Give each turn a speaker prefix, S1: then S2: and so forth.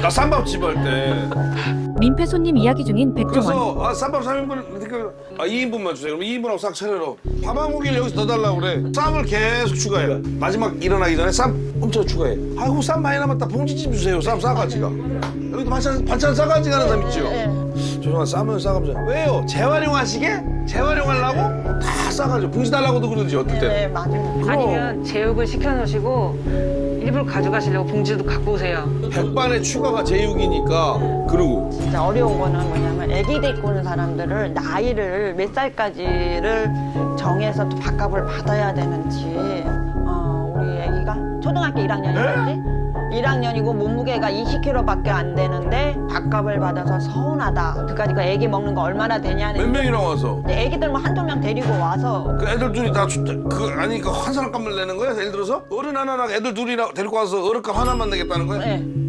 S1: 나 쌈밥집 할 때.
S2: 민폐 손님 이야기 중인 백종원.
S1: 그래서 쌈밥 3인분, 2인분만 주세요. 그럼 2인분하고 싹 차려로. 밥 한 공기를 여기서 더 달라고 그래. 쌈을 계속 추가해. 마지막 일어나기 전에 쌈 엄청 추가해. 아이고 쌈 많이 남았다. 봉지집 주세요. 쌈 싸가지가. 여기도 반찬 싸가지 가는 사람 있죠? 죄송한 쌈은 싸가면서. 왜요? 재활용하시게? 재활용하려고? 다 싸가지고. 봉지 달라고도 그러지 어떨 때는.
S3: 네, 맞아요.
S4: 아니면 제육을 시켜놓으시고 일부러 가져가시려고 봉지도 갖고 오세요.
S1: 백반의 추가가 제육이니까. 그러고.
S3: 진짜 어려운 거는 뭐냐면 아기 데리고 오는 사람들을 나이를 몇 살까지를 정해서 또 밥값을 받아야 되는지 우리 아기가 초등학교 1학년이었지? 1학년이고 몸무게가 20kg밖에 안 되는데 밥값을 받아서 서운하다. 그까지 그 애기 먹는 거 얼마나 되냐는.
S1: 몇 명이랑 와서?
S3: 애기들 뭐 한두 명 데리고 와서
S1: 그 애들 둘이 다 아니 그 한 사람 값을 내는 거야? 예를 들어서 어른 하나랑 애들 둘이랑 데리고 와서 어른값 하나만 내겠다는 거야?
S3: 네.